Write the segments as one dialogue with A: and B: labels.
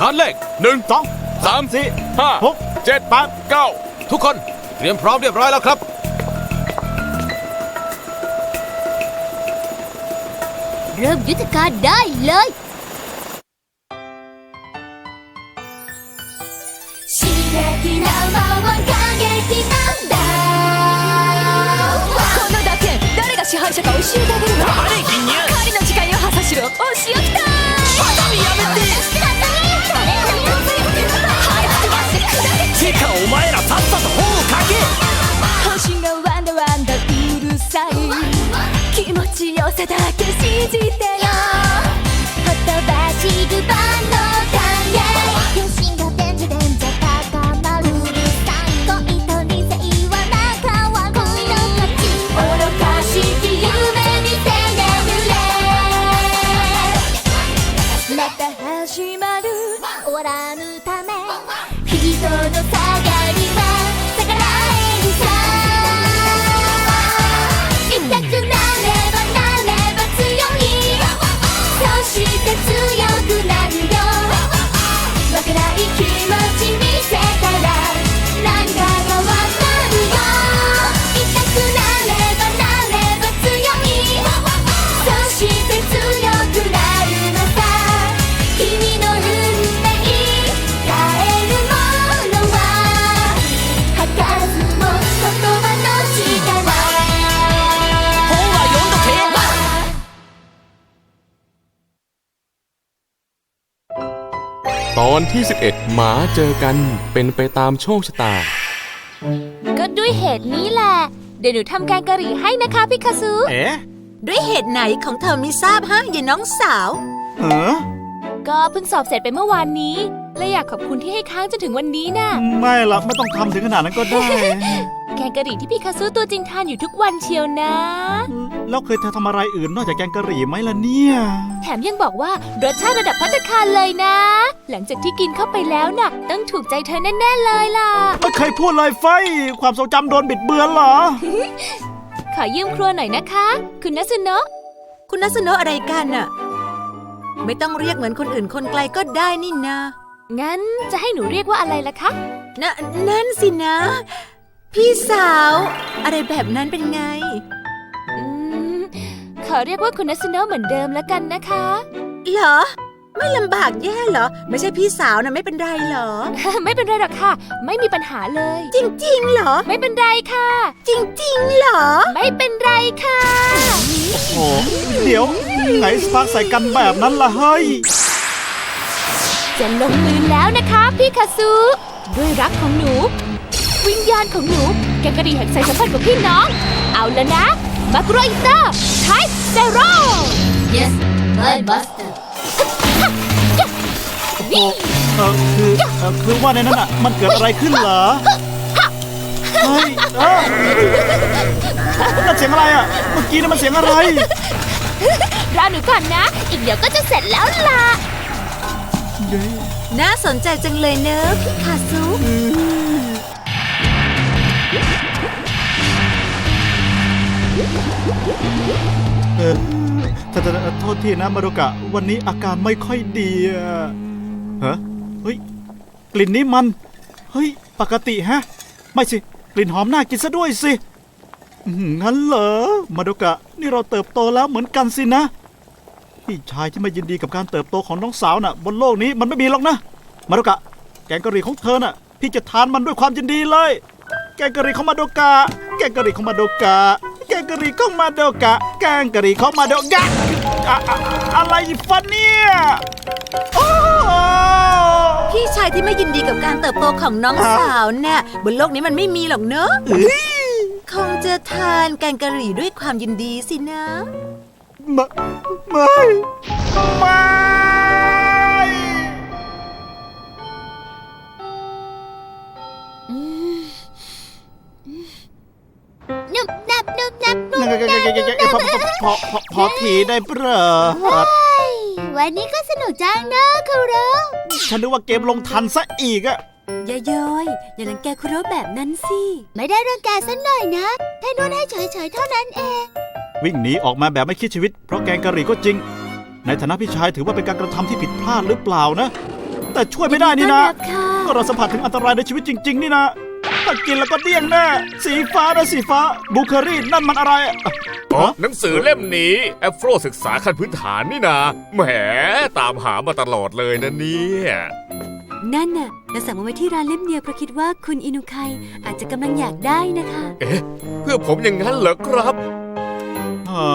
A: านเลข1
B: 2
A: 3
B: 4
A: 5
B: 6
A: 7
B: 8
A: 9ทุกคนเตรียมพร้อมเรียบร้อยแล้วครับ
C: เริ่มยุทธการได้เลย刺激な魔は過激なんだこの打剣誰が支配者か教えてあげるわ
D: 黙れ銀乳
C: 狩りの時間よハサシロお仕置きたい
D: バカみやめててかお前らさっさと本を書け
C: 星がワンダワンダうるさい気持ちよさだけ信じてよほとばしる万能感や両親がでんじゃ高まるうるさい恋と理性は仲は恋の勝ち愚かしき夢見せねるれまた始まる終わらぬため人の下がりは逆らえるさ痛くなればなれば強いそして強くなるよ負けない気持ち見せたら何か変わるよ痛くなればなれば強いそして強くなるのさ君の運命変えるものは儚ずも言葉の力
D: 本は読んどけ
A: ตอนที่ 11 หมาเจอกันเป็นไปตามโชคชะตา
C: ก็ด้วยเหตุนี้แหละเดี๋ยวหนูทำแกงกะหรี่ให้นะคะพี่คาซุ
B: เอ๊ะ
E: ด้วยเหตุไหนของเธอไม่ทราบฮะยายน้องสาว
C: ก็เพิ่งสอบเสร็จไปเมื่อวานนี้และอยากขอบคุณที่ให้ค้างจนถึงวันนี้น่ะ
B: ไม่ละไม่ต้องทำถึงขนาดนั้นก็ได้
C: แกงกะหรี่ที่พี่คาซุตัวจริงทานอยู่ทุกวันเชียวนะ
B: แล้วเคยเธอทำอะไรอื่นนอกจากแกงกะหรี่ไหมล่ะเนี่ย
C: แถมยังบอกว่ารสชาติระดับภัตตาคารเลยนะ หลังจากที่กินเข้าไปแล้วน่ะต้องถูกใจเธอแน่ๆเลยล่ะ
B: ไม่เคยพูดเลยไฟความทรงจำโดนบิดเบือนเหรอ
C: ขอยืมครัวหน่อยนะคะ คุณนัสุโนะ
E: คุณนัสโนะอะไรกันน่ะ ไม่ต้องเรียกเหมือนคนอื่นคนไกลก็ได้นี่นะ
C: งั้นจะให้หนูเรียกว่าอะไรล่ะคะ
E: นั่นสินะ พี่สาว อะไรแบบนั้นเป็นไง
C: อืมขอเรียกว่าคุณนัสุโนะเหมือนเดิมแล้วกันนะคะ
E: เหรอ ไม่ลำบากแย่เหรอ ไม่ใช่พี่สาวนะไม่เป็นไรเหรอ
C: ไม่เป็นไรหรอกค่ะ ไม่มีปัญหาเลย
E: จริงๆเหรอ
C: ไม่เป็นไรค่ะ
E: จริงๆเหรอ
C: ไม่เป็นไรค่ะ
B: โอ้เดี๋ยวไหนสปาร์คใส่กันแบบนั้นล่ะเฮ้ย
C: จะลงมือแล้วนะคะพี่คาซุด้วยรักของหนู วิญญาณของหนูแกงกะหรี่แห่งสายสัมพันธ์ของพี่น้อง เอาแล้วนะมาโกรอิเตอร์ไทเซโร่ Yes my master นี่
B: คือว่าในนั้นอ่ะมันเกิดอะไรขึ้นเหรอ เฮ้ยนั่นเสียงอะไรอ่ะ เมื่อกี้นั่นมันเสียงอะไร
C: รอหนูก่อนนะ อีกเดี๋ยวก็จะเสร็จแล้วล่ะ
E: น่าสนใจจังเลยเนอะพี่คาซุ
B: โทษทีนะมารุกะ วันนี้อาการไม่ค่อยดีอะฮะเฮ้ย กลิ่นนี้มัน เฮ้ย ปกติฮะ ไม่สิ กลิ่นหอมน่ากินซะด้วยสิงั้นเหรอ มารุกะ นี่เราเติบโตแล้วเหมือนกันสินะ พี่ชายที่ไม่ยินดีกับการเติบโตของน้องสาวน่ะ บนโลกนี้มันไม่มีหรอกนะ มารุกะ แกงกะหรี่ของเธอน่ะ พี่จะทานมันด้วยความยินดีเลย แกงกะหรี่ของมาโดกะ แกงกะหรี่ของมาโดกะ แกงกะหรี่ของมาโดกะ แกงกะหรี่ของมาโดกะอะไรฟันเนี่ยโอ้
E: พี่ชายที่ไม่ยินดีกับการเติบโตของน้องสาวเนี่ยบนโลกนี้มันไม่มีหรอกเนอะคงจะทานแกงกะหรี่ด้วยความยินดีสินะ
B: ไม่
C: นุบนับนุบนับนุบ
B: พอทีได้เปล่า
C: วันนี้ก็สนุกจังนะคารุ
B: ฉันนึกว่าเกมลงทันซะอีกอะ
E: อย่าย้อยอย่ารังแกคุโรแบบนั้นสิ
C: ไม่ได้รังแกสักหน่อยนะแค่นวดให้เฉยๆเท่านั้นเอง
B: วิ่งหนีออกมาแบบไม่คิดชีวิตเพราะแกงกะหรี่ก็จริง ในฐานะพี่ชายถือว่าเป็นการกระทำที่ผิดพลาดหรือเปล่านะแต่ช่วยไม่ได้นี่นะ
E: ยินดีต้อนรับค่ะ
B: ก็เราสัมผัสถึงอันตรายในชีวิตจริง ๆ นี่นะถ้ากินแล้วก็เดี้ยงแน่สีฟ้านะสีฟ้าบูเคอรี่นั่นมันอะไรอะ
F: อ๋อหนังสือเล่มนี้แอฟโฟรศึกษาขั้นพื้นฐานนี่นะแหมตามหามาตลอดเลยนะเนี่ย
G: นั่นน่ะเราสั่งมาไว้ที่ร้านเล่มเดียวเพราะคิดว่าคุณอินุไคอาจจะกำลังอยากได้นะคะ
F: เอ๊ะเพื่อผมอย่างนั้นเหรอครับ
B: ฮะ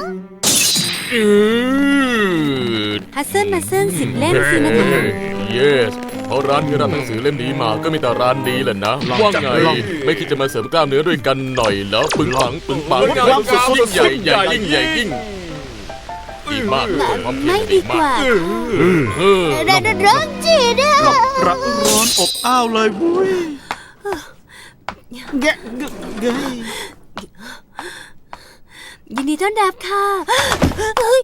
G: ฮัสเซิลมาเซิล10 เล่มสินะคะ
A: yes เพราะร้านที่รับหนังสือเล่มนี้มาก็มีแต่ร้านดีแหละนะ ว่าไง ไม่คิดจะมาเสริมกล้ามเนื้อด้วยกันหน่อยแล้วปึงปังยิ่งใหญ่ใหญ่ยิ่งใหญ่ยิ่งดีมากความ
G: ไม่ดีกว่า
C: ร้อนจีนะ
B: ร้อนอบอ้าวเลยบุ้ยแกะเกย
G: ยินดีต้อนรับค่ะเฮ้ย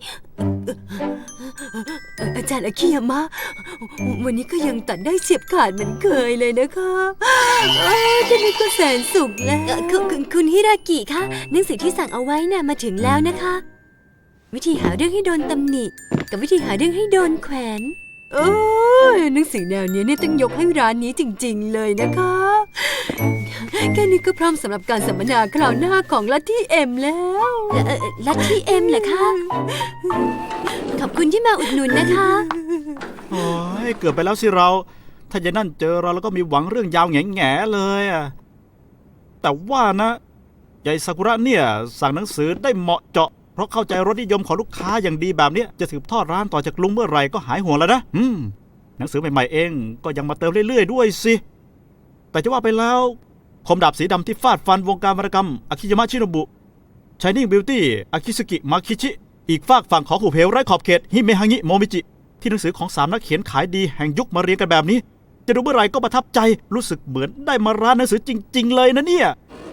G: อาจารย์อาคิยามะวันนี้ก็ยังตัดได้เฉียบขาดเหมือนเคยเลยนะคะแค่นี้ก็แสนสุขแล้วคุณฮิรากิคะหนังสือที่สั่งเอาไว้น่ะมาถึงแล้วนะคะ วิธีหาเรื่องให้โดนตำหนิกับวิธีหาเรื่องให้โดนแขวนโอ้ยหนังสือแนวนี้เนี่ยต้องยกให้ร้านนี้จริงๆเลยนะคะแค่นี้ก็พร้อมสำหรับการสัมมนาคราวหน้าของลัทธิเอ็มแล้วลัทธิเอ็มเหรอคะขอบคุณที่มาอุดหนุนนะคะ
B: โอ้ยเกือบไปแล้วสิเรา ถ้ายายนั่นเจอเราแล้วก็มีหวังเรื่องยาวแง่ๆเลยอะแต่ว่านะยายซากุระเนี่ยสั่งหนังสือได้เหมาะเจาะเพราะเข้าใจรสนิยมของลูกค้าอย่างดีแบบเนี้ยจะสืบทอดร้านต่อจากลุงเมื่อไหร่ก็หายห่วงแล้วนะหนังสือใหม่ๆเองก็ยังมาเติมเรื่อยๆด้วยสิแต่จะว่าไปแล้วคมดาบสีดำที่ฟาดฟันวงการวรรณกรรมอากิยามะชิโนบุชายนิ่งบิวตี้อากิสกิมาคิชิอีกฝากฝั่งของหูเพลไร้ขอบเขตฮิเมฮางิโมมิจิที่หนังสือของ3นักเขียนขายดีแห่งยุคมาเรียงกันแบบนี้จะดูเมื่อไหร่ก็ประทับใจรู้สึกเหมือนได้มาร้านหนังสือจริงๆเลยนะเนี่ย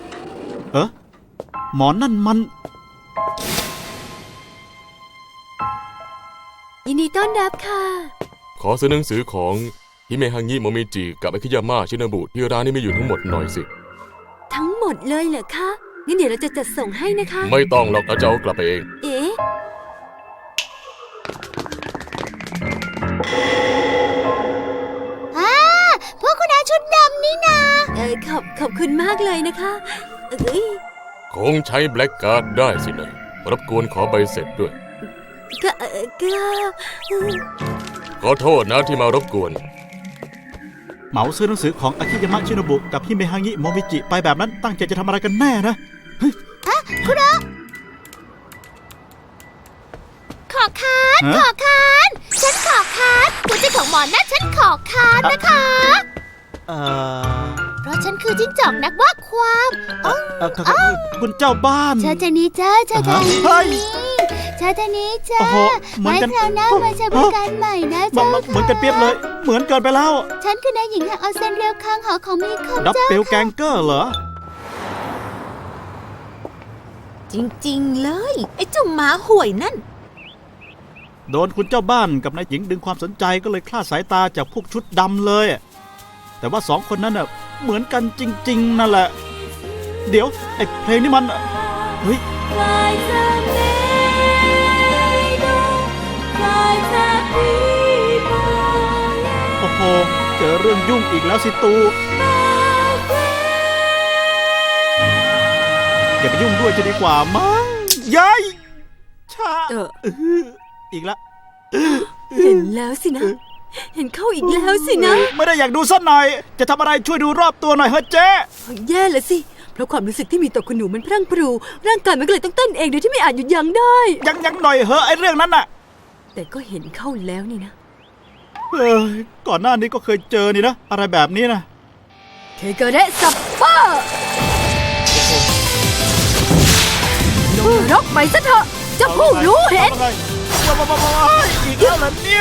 B: หมอนั่นมัน
G: ยินดีต้อนรับค่ะ
A: ขอซื้อหนังสือของฮิเมฮังิโมมิจิกับอากิยามะชินาบุที่ร้านนี้มีอยู่ทั้งหมดหน่อยสิ
G: ทั้งหมดเลยเหรอคะงั้นเดี๋ยวเราจะจัดส่งให้นะคะ
A: ไม่ต้องหรอกเอาจะเอากลับไปเอง
G: เอ๊ะ
C: พวกคุณนายชุดดำนี่นา
G: ขอบคุณมากเลยนะคะเอ้ย
A: คงใช้แบล็กการ์ดได้สินะรบกวนขอใบเสร็จด้วย
G: ก็
A: ขอโทษนะที่มารบกวน
B: เหมาซื้อหนังสือของอากิยามะชิโนบุกับฮิเมฮางิโมมิจิไปแบบนั้นตั้งใจจะทำอะไรกันแน่นะ
C: ขอค้าน
B: ฮะ
C: ขอค้านฉันขอค้านหัวใจของหมอนั่นฉันขอค้านนะคะ เพราะฉันคือจิ้งจอกนักว่าความ
B: คุณเจ้าบ้าน
C: เชิญทางนี้จ้าเชิญทางนี้
B: เฮ้ย
C: เชิญทางนี้จ้า
B: โอ้โหเหมือน
C: ไว้
B: กัน
C: คราวหน้ามาใช้บริการใหม่นะ
B: มา
C: เจ้า
B: เหมือนกันเปรียบเลย เหมือนเกินไปแล้ว
C: ฉันคือนายหญิงแห่งออเซนเรียวคังหอของมีคม
B: ดับ
C: เจ้า
B: เบิลแกงเกอร์เหรอ
E: จริงๆเลย ไอ้เจ้าหมาห่วยนั่น
B: โดนคุณเจ้าบ้านกับนายหญิงดึงความสนใจก็เลยคลาดสายตาจากพวกชุดดำเลย แต่ว่า2 คนนั้นน่ะเหมือนกันจริงๆนั่นแหละ เดี๋ยวไอ้เพลงนี้มันเฮ้ยโอ้โหเจอเรื่องยุ่งอีกแล้วสิตูอย่าไปยุ่งด้วยจะดีกว่ามั้งยายชาอีกแล้ว
G: เห็นแล้วสินะ เห็นเข้าอีกแล้วสินะ
B: ไม่ได้อยากดูสักหน่อย จะทำอะไรช่วยดูรอบตัวหน่อยเฮ้ยเจ๊
G: แย่เลยสิ เพราะความรู้สึกที่มีต่อคุณหนูมันพรั่งพรู ร่างกายมันก็เลยต้องเต้นเองโดยที่ไม่อาจหยุดยั้งได้
B: ยังหน่อยเหอะไอ้เรื่องนั้นน่ะ
G: แต่ก็เห็นเข้าแล้วนี่นะ
B: ก่อนหน้านี้ก็เคยเจอนี่นะ อะไรแบบนี้นะ
G: เคเกเระซัปเปอร์ลงนรกไปซะเถอะเจ้าผู้รู้เห็น
B: ว้ายอีกแล้วเหรอเนี่ย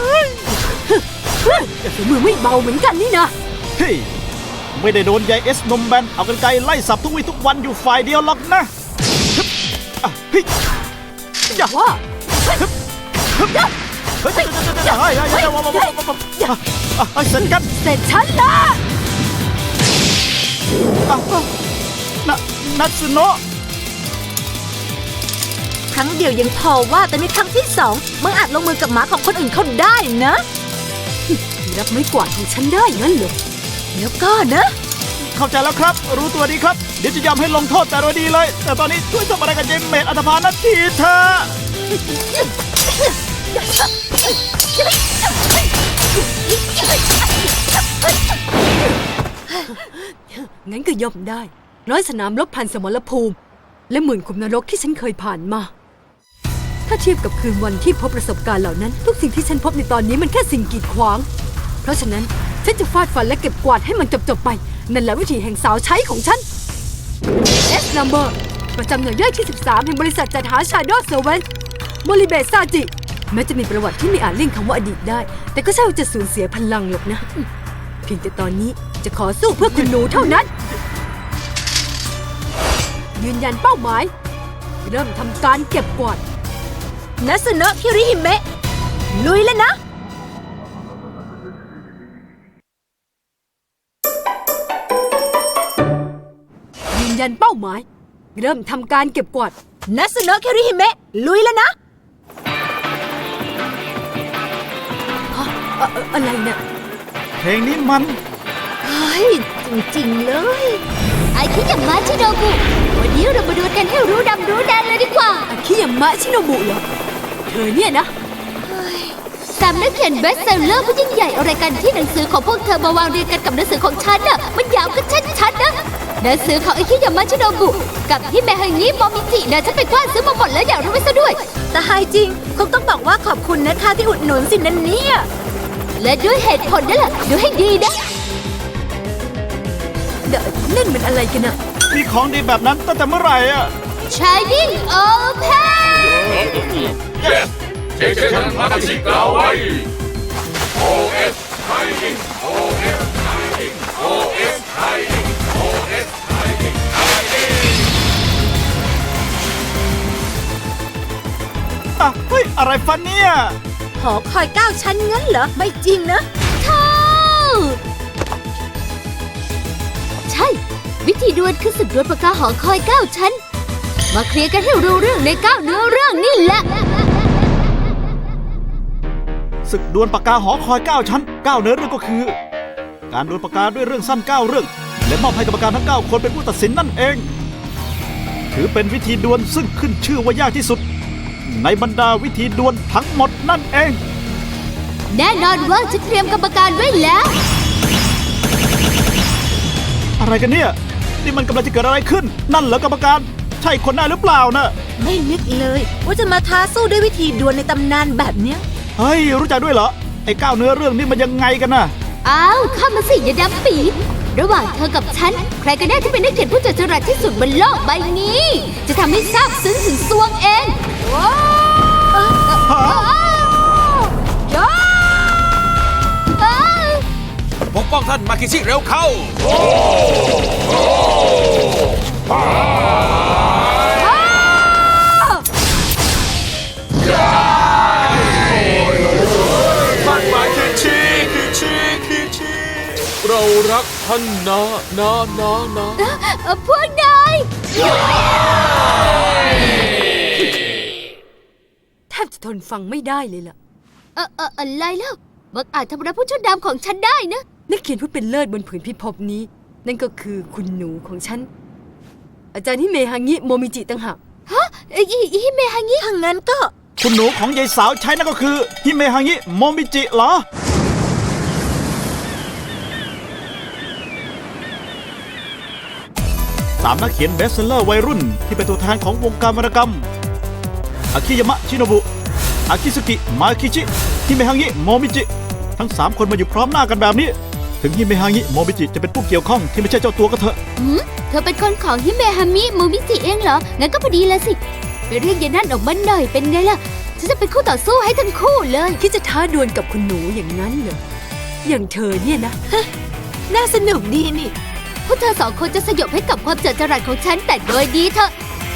G: ฝีมือไม่เบาเหมือนกันนี่นะ
B: เฮ้ยไม่ได้โดนยายเอสนมแบนเอากันไกลไล่สับทุกวี่ทุกวันอยู่ฝ่ายเดียวหรอกนะเฮ้ยอย่า
G: ว่า
B: เฮ้ยเสร็จกัน
G: เสร็จฉันละ
B: นัตสึโนะ
E: ครั้งเดียวยังพอว่าแต่ในครั้งที่2มึงอาจลงมือกับหมาของคนอื่นเขาได้นะ
G: รับไม้กวาดของฉันได้งั้นเหรอ
E: แล้วก็นะ
B: เข้าใจแล้วครับ รู้ตัวดีครับ เดี๋ยวจะยอมให้ลงโทษแต่โดยดีเลย แต่ตอนนี้ช่วยทำอะไรกับเจมเมดอัตภานันทีเถอะ
G: งั้นก็ย่อมได้ร้อยสนามรบพันสมรภูมิ และหมื่นขุมนรกที่ฉันเคยผ่านมา ถ้าเทียบกับคืนวันที่พบประสบการณ์เหล่านั้น ทุกสิ่งที่ฉันพบในตอนนี้มันแค่สิ่งกีดขวาง เพราะฉะนั้นฉันจะฟาดฟันและเก็บกวาดให้มันจบๆไป นั่นแหละวิธีแห่งสาวใช้ของฉัน S Number ประจำหน่วยย่อยที่ 13 แห่งบริษัทจัดหา Shadow Servant โมริเบะซาจิ แม้จะมีประวัติที่ไม่อาจเลี่ยงคำว่าอดีตได้ แต่ก็ใช่ว่าจะสูญเสียพลังหรอกนะ เพียงแต่ตอนนี้จะขอสู้เพื่อคุณหนูเท่านั้น ยืนยันเป้าหมาย เริ่มทำการเก็บกวาด
E: นัสโนะคิริฮิเมะลุยแล้วนะ
G: ยืนยันเป้าหมาย เริ่มทำการเก็บกวาด
E: นัสโนะคิริฮิเมะลุยแล้วนะ
G: อะไรเนี่ย
B: เพลงนี้มัน
E: เฮ้ย จริงๆเลย
C: ไอคิยามะชิโนบุวันนี้เรามาดูกันให้รู้ดำรู้แดนเลยดีกว่า
G: อาคิยามะชิโนบุเหรอ เธอเนี่ยนะ
C: สามนักเขียนเบสเซลเลอร์ผู้ยิ่งใหญ่อะไรกันที่หนังสือของพวกเธอมาวางเรียงกันกับหนังสือของฉันน่ะมันยาวก็ชัดๆนะหนังสือของไอคิยามะชิโนบุกับฮิเมฮังงิโมมิจินะฉันไปกว้านซื้อมาหมดแล้วอยากรู้ไว้ซะด้วย
E: แต่หายจริง คงต้องบอกว่าขอบคุณนะคะที่อุดหนุนสินันเนี่ย
C: และด้วยเหตุผลนั่นแหละดูให้ดีนะ
G: นั่นมันอะไรกันอะ
B: มีของดีแบบนั้นตั้งแต่เมื่อไหร่อ่ะ
C: Shining Open
A: เช็คชันมาชิกาวไว้ OS ไทย OS ไทย OS ไทย OS ไทย
B: อ่ะ เฮ้ย อะไรฟันเนี่ย
E: หอคอย9 ชั้นงั้นเหรอ ไม่จริงนะ
C: เข้าใช่ วิธีดวลคือศึกดวลปากกาหอคอย9 ชั้น มาเคลียร์กันให้รู้เรื่องใน9เนื้อเรื่องนี่แหละ
B: ศึกดวลปากกาหอคอย 9 ชั้น 9 เนื้อเรื่องก็คือ การดวลปากกาด้วยเรื่องสั้น 9 เรื่อง และมอบให้กรรมการทั้ง 9 คนเป็นผู้ตัดสินนั่นเอง ถือเป็นวิธีดวลซึ่งขึ้นชื่อว่ายากที่สุด ในบรรดาวิธีดวลทั้งหมดนั่นเอง
C: แน่นอนว่าจะเตรียมกรรมการไว้แล้ว
B: อะไรกันเนี่ย นี่มันกำลังจะเกิดอะไรขึ้น นั่นเหรอกรรมการ ใช่คนหน้าหรือเปล่านะ
E: ไม่นึกเลย ว่าจะมาท้าสู้ด้วยวิธีดวลในตำนานแบบเนี้ย
B: เฮ้ย รู้จักด้วยเหรอ ไอ้ 9 เนื้อเรื่องนี่มันยังไงกันน่ะ
C: อ้าวเข้ามาสิอย่าดำปีระหว่างเธอกับฉัน ใครกันแน่ที่เป็นนักเขียนผู้จัดจรัสที่สุดบนโลกใบนี้ จะทำให้ซาบซึ้งถึงซวงเองว้าวอ้าว
D: ปกป้องท่านมาคิชิเร็วเข้า
A: เรารักท่านนะนะ
C: พวกนาย
G: แทบจะทนฟังไม่ได้เลยล่ะ
C: อะไรแล้วบังอาจทำร้ายผู้ชุดดำของฉันได้นะ
G: นักเขียนผู้เป็นเลิศบนผืนพิภพนี้ นั่นก็คือคุณหนูของฉัน อาจารย์ฮิเมฮังิโมมิจิต่างหาก
C: ฮะฮิเมฮังิ
E: ถ้างั้นก็
B: คุณหนูของยายสาวใช้นั่นก็คือฮิเมฮังิโมมิจิเหรอ 3 นักเขียนเบสเซลเลอร์วัยรุ่นที่เป็นตัวแทนของวงการวรรณกรรม อากิยามะชิโนบุ อากิสุกิ มาคิชิ ฮิเมฮังิโมมิจิ ทั้ง 3 คนมาอยู่พร้อมหน้ากันแบบนี้ ถึงฮิเมฮังิโมมิจิจะเป็นผู้เกี่ยวข้องที่ไม่ใช่เจ้าตัวก็เถอะ
C: เธอเป็นคนของฮิเมฮามิโมมิจิเองเหรอ งั้นก็พอดีแล้วสิ ไปเรียกยายนั่นออกมาหน่อยเป็นไงล่ะ ฉันจะเป็นคู่ต่อสู้ให้ทั้งคู่เลย
G: ที่จะท้าดวลกับคุณหนูอย่างนั้นเหรอ อย่างเธอเนี่ยนะ
E: น่าสนุกดีนี่
C: พวกเธอสองคนจะสยบให้กับความเจิดจรัสของฉันแต่โดยดีเถอะ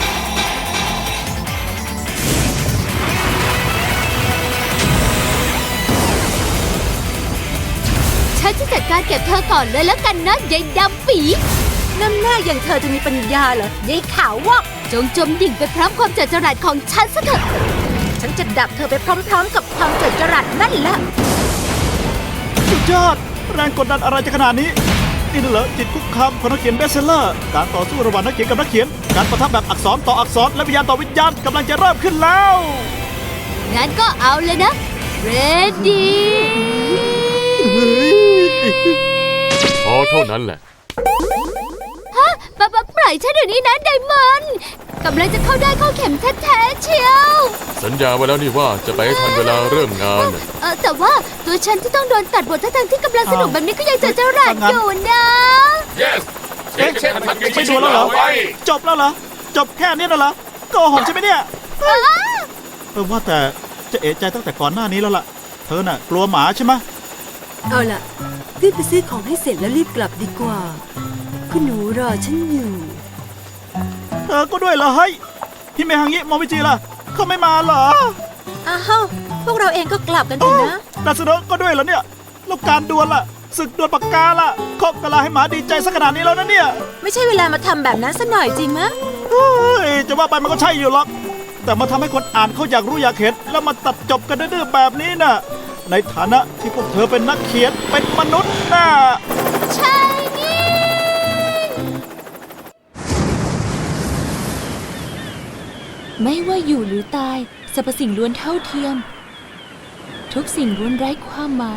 C: ฉันจะจัดการเก็บเธอก่อนเลยแล้วกันนะยายดำปี
E: น้ำหน้าอย่างเธอจะมีปัญญาเหรอยายขาววอก
C: จงจมดิ่งไปพร้อมความเจิดจรัสของฉันซะเถอะ
E: ฉันจะดับเธอไปพร้อมๆ กับความเจิดจรัสนั่นแหละ
B: จยอด แรงกดดันอะไรจะขนาดนี้ นี่น่ะเหรอจิตคุกคามของนักเขียนเบสเซลเลอร์การต่อสู้ระหว่างนักเขียนกับนักเขียน การปะทะแบบอักษรต่ออักษรและวิญญาณต่อวิญญาณกำลังจะเริ่มขึ้นแล้ว
G: งั้นก็เอาเลยนะ ready
A: พอเท่านั้นแหละ
G: ปล่อยฉันเดี๋ยวนี้นะไดมอนด์กำลังจะเข้าได้เข้าเข็มแท้ๆเชียว
A: สัญญาไว้แล้วนี่ว่าจะไปให้ทันเวลาเริ่มงานน่ะ
G: แต่ว่าตัวฉันที่ต้องโดนตัดบททั้งๆที่กำลังสนุกแบบนี้ก็ยังจะเจรัดอยู่นะ
F: yes เช็คเช็คทันกัน
B: ไม่ดูแล้วเหรอ จบแล้วเหรอ จบแค่นี้แล้วเหรอโกหกใช่ไหมเนี่ยว่าแต่จะเอะใจตั้งแต่ก่อนหน้านี้แล้วล่ะ เธอน่ะกลัวหมาใช่ไหม
G: เอาล่ะรีบไปซื้อของให้เสร็จแล้วรีบกลับดีกว่าคุณหนูรอฉันอยู่
B: เธอก็ด้วยเหรอเฮ้ยฮิเมฮังงิโมมิจิล่ะเขาไม่มาเหรอ
E: อ้าวพวกเราเองก็กลับกันเถอะนะ
B: นาซึโนะก็ด้วยเหรอเนี่ยแล้วการดวลล่ะศึกดวลปากกาล่ะเคาะกะลาให้หมาดีใจสักขนาดนี้แล้วนะเนี่ย
E: ไม่ใช่เวลามาทำแบบนั้นซะหน่อยจริงมะ
B: เฮ้ยจะว่าไปมันก็ใช่อยู่หรอกแต่มาทำให้คนอ่านเขาอยากรู้อยากเห็นแล้วมาตัดจบกันดื้อๆแบบนี้น่ะในฐานะที่พวกเธอเป็นนักเขียนเป็นมนุษย์น่ะ
G: ใช่นี่
H: ไม่ว่าอยู่หรือตายสรรพสิ่งล้วนเท่าเทียม ทุกสิ่งล้วนไร้ความหมาย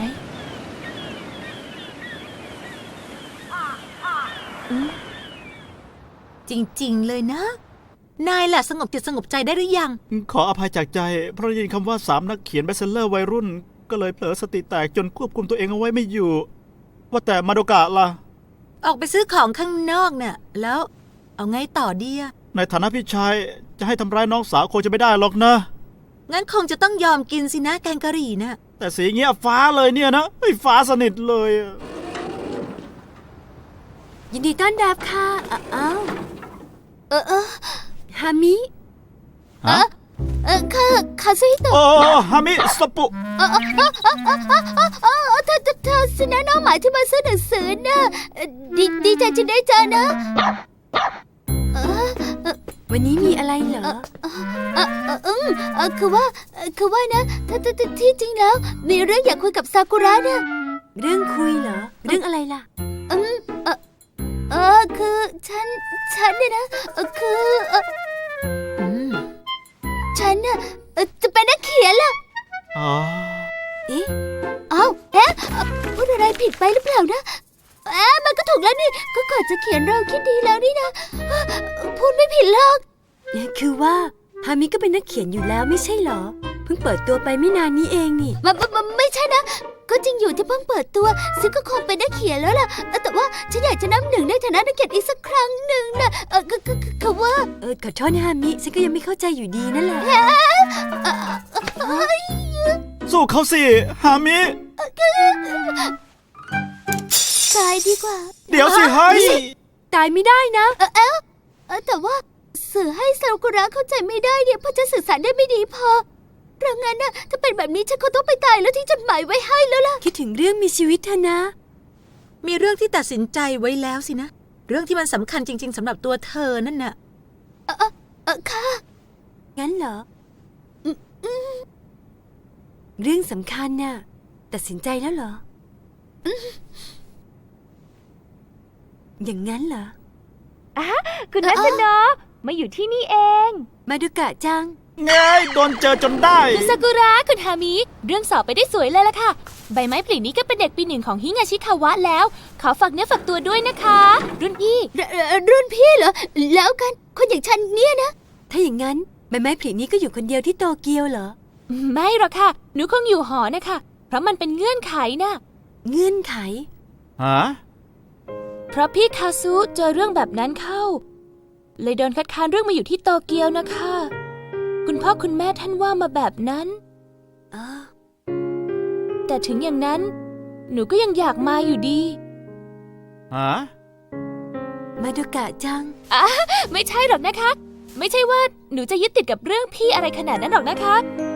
E: จริงๆเลยนะ นายล่ะสงบจิตสงบใจได้หรือยัง
B: ขออภัยจากใจเพราะได้ยินคำว่า3นักเขียนเบสเซลเลอร์วัยรุ่นก็เลยเผลอสติแตกจนควบคุมตัวเองเอาไว้ไม่อยู่ ว่าแต่มาโดกะล่ะ
E: ออกไปซื้อของข้างนอกน่ะแล้วเอาไงต่อดีอะ
B: ในฐานะพี่ชายจะให้ทำร้ายน้องสาวคงจะไม่ได้หรอกนะ
E: งั้นคงจะต้องยอมกินสินะแกงกะหรี่น่ะ
B: แต่สีเงี้ยฟ้าเลยเนี่ยนะเฮ้ยฟ้าสนิทเลยอะ
G: ยินดีต้อนรับค่ะอ้าวฮามิ
B: ฮะ
G: คาซุฮิโตะ
B: โอ้ฮามิสปุ
G: เธอสินะน้องหมายที่มาซื้อหนังสือนะดีใจจะได้เจอนะวันนี้มีอะไรเหรอคือว่านะที่จริงแล้วมีเรื่องอยากคุยกับซากุระนะเรื่องคุยเหรอเรื่องอะไรล่ะคือฉันเนี่ยนะคือฉันน่ะจะเป็นนักเขียนล่ะ
B: อ๋อ
G: เอ๊ะพูดอะไรผิดไปหรือเปล่านะมันก็ถูกแล้วนี่ก็ก่อนจะเขียนเราคิดดีแล้วนี่นะพูดไม่ผิดหรอกคือว่าฮามิก็เป็นนักเขียนอยู่แล้วไม่ใช่เหรอเพิ่งเปิดตัวไปไม่นานนี้เองนี่ไม่ใช่นะก็จริงอยู่ที่เพิ่งเปิดตัวซึ่งก็คงเป็นนักเขียนแล้วล่ะแต่ว่าฉันอยากจะนับหนึ่งในฐานะนักเขียนอีกสักครั้งหนึ่งนะคือว่าขอโทษนะฮามิฉันก็ยังไม่เข้าใจอยู่ดีนั่นแหละ
B: สู้เขาสิฮามิ
G: ตายดีกว่า
B: เดี๋ยวสิเฮ้ย
G: ตายไม่ได้นะแต่ว่าสื่อให้ซากุระเข้าใจไม่ได้เนี่ยเพราะจะสื่อสารได้ไม่ดีพอดังนั้นนะถ้าเป็นแบบนี้ฉันก็ต้องไปตายแล้วทิ้งจดหมายไว้ให้แล้วล่ะคิดถึงเรื่องมีชีวิตเธอนะ
E: มีเรื่องที่ตัดสินใจไว้แล้วสินะเรื่องที่มันสำคัญจริงๆสำหรับตัวเธอนั่นน่ะ
G: ค่ะงั้นเหรอเรื่องสำคัญน่ะตัดสินใจแล้วเหรออย่างนั้นเหรอ
H: คุณนัสโนะมาอยู่ที่นี่เอง
G: มาดูกะจัง
B: ไงโดนเจอจนได้
H: คุณซากุระคุณฮามิเรื่องสอบไปได้สวยเลยล่ะค่ะใบไม้ผลินี้ก็เป็นเด็กปีหนึ่งของฮิงาชิคาวะแล้วขอฝากเนื้อฝากตัวด้วยนะคะ รุ่นพี่
G: รุ่นพี่เหรอแล้วกันคนอย่างฉันเนี่ยนะถ้าอย่างนั้นใบไม้ผลินี้ก็อยู่คนเดียวที่โตเกียวเหรอ
H: ไม่หรอกค่ะหนูคงอยู่หอนะคะเพราะมันเป็นเงื่อนไขนะ
G: เงื่อนไข
B: ฮะ
H: เพราะพี่คาซุเจอเรื่องแบบนั้นเข้าเลยโดนคัดค้านเรื่องมาอยู่ที่โตเกียวนะคะคุณพ่อคุณแม่ท่านว่ามาแบบนั้นแต่ถึงอย่างนั้นหนูก็ยังอยากมาอยู่ดี
B: ฮะ
G: มาดูกะจัง
H: ไม่ใช่หรอกนะคะไม่ใช่ว่าหนูจะยึดติดกับเรื่องพี่อะไรขนาดนั้นหรอกนะคะ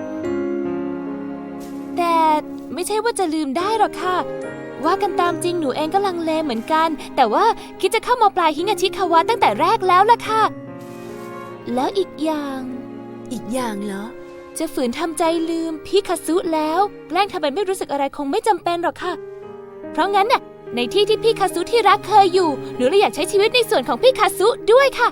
H: แต่ไม่ใช่ว่าจะลืมได้หรอกค่ะว่ากันตามจริงหนูเองก็ลังเลเหมือนกันแต่ว่าคิดจะเข้ามปลายฮิงาชิคาวะตั้งแต่แรกแล้วล่ะค่ะแล้วอีกอย่าง
G: เหรอ
H: จะฝืนทำใจลืมพี่คาซุแล้วแกล้งทำเป็นไม่รู้สึกอะไรคงไม่จำเป็นหรอกค่ะเพราะงั้นน่ะในที่ที่พี่คาซุที่รักเคยอยู่หนูเลยอยากใช้ชีวิตในส่วนของพี่คาซุด้วยค่ะ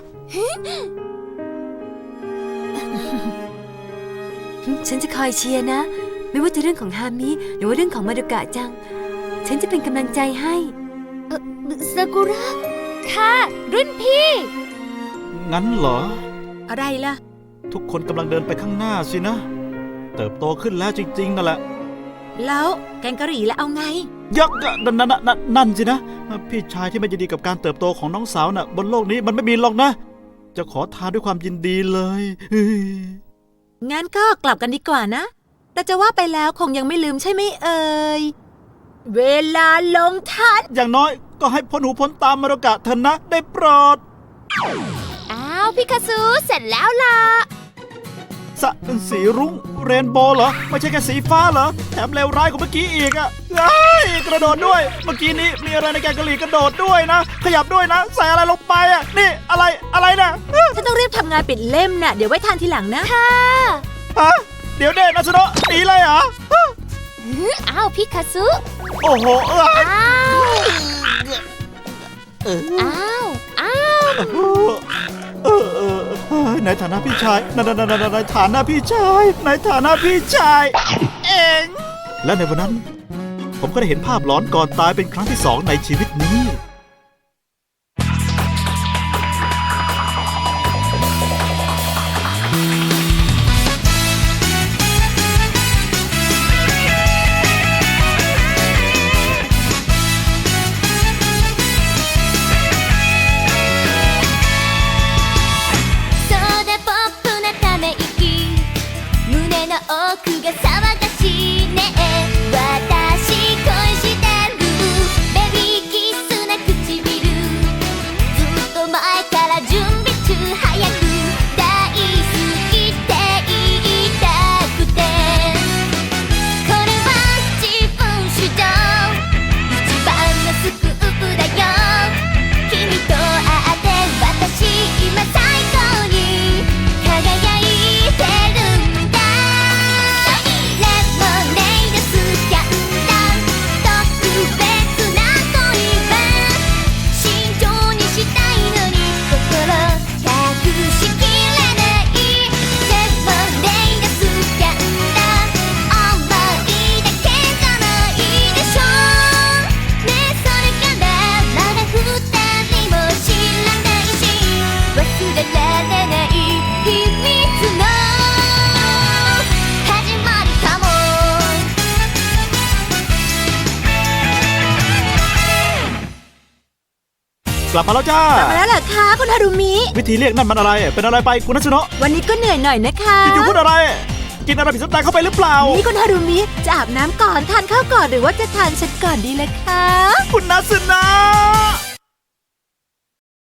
G: ฉันจะคอยเชียร์นะ ไม่ว่าจะเรื่องของฮามิหรือว่าเรื่องของมารุกะจัง ฉันจะเป็นกำลังใจให้
H: ซากุระ ค่ะ รุ่นพี่
B: งั้นเหรอ
E: อะไรล่ะ
B: ทุกคนกำลังเดินไปข้างหน้าสินะ เติบโตขึ้นแล้วจริงๆนั่นแหละ
E: แล้วแกงกะหรี่แล้วเอาไง
B: ยักษ์นั่นสินะ พี่ชายที่ไม่ยินดีกับการเติบโตของน้องสาวน่ะ บนโลกนี้มันไม่มีหรอกนะ จะขอทานด้วยความยินดีเลยเฮ้ย
E: งั้นก็กลับกันดีกว่านะ แต่จะว่าไปแล้วคงยังไม่ลืมใช่ไหมเอ่ย เวลาลงทัน
B: อย่างน้อยก็ให้พ้นหูพ้นตามมารุกะเถอะนะ ได้โปรด
H: อ้าวพี่คาซุเสร็จแล้วล่ะ
B: สีรุ้งเรนโบว์เหรอ ไม่ใช่แค่สีฟ้าเหรอ แถมเลวร้ายกว่าเมื่อกี้อีกอะเฮ้ยกระโดดด้วย เมื่อกี้นี้มีอะไรในแกงกะหรี่กระโดดด้วยนะ ขยับด้วยนะ ใส่อะไรลงไปอะนี่อะไรนะ
E: ฉันต้องรีบทำงานปิดเล่มน่ะ เดี๋ยวไว้ทานทีหลังนะ
H: ค่ะ
B: ฮะเดี๋ยวเด่นนะสโนะหนีเลยเหรอ
H: อ้าวพี่คาซุ
B: โอ้โห
H: อ้าวอ้าว
B: ในฐานะพี่ชายในฐานะพี่ชายในฐานะพี่ชายเองและในวันนั้น ผมก็ได้เห็นภาพหลอนก่อนตายเป็นครั้งที่ 2ในชีวิตนี้
C: そうだポップなため息胸の奥が騒がしいね私恋してるベビーキスな唇ずっと前から準備中早く大好きって言いたくてこれは自分主張一番のスクープだよ君と会って私今最高に輝いてるんだレモネードスキャンダル特別な恋は慎重にしたいのに心隠しきれないレモネードスキャンダル思いだけじゃないでしょねえそれからまだ二人も知らないし忘れられない秘密の始まりかも
B: กลับมาแล้วจ้า
E: มาแล้วเหรอคะคุณฮารุมิ
B: วิธีเรียกนั่นมันอะไร เป็นอะไรไปคุณนัชโนะ
E: วันนี้ก็เหนื่อยหน่อยนะคะ
B: อยู่ๆพูดอะไร กินอะไรผิดสัปดาห์เข้าไปหรือเปล่า
E: นี่คุณฮารุมิจะอาบน้ำก่อนทานข้าวก่อนหรือว่าจะทานฉันก่อนดีล่ะคะ
B: คุณนัสนะ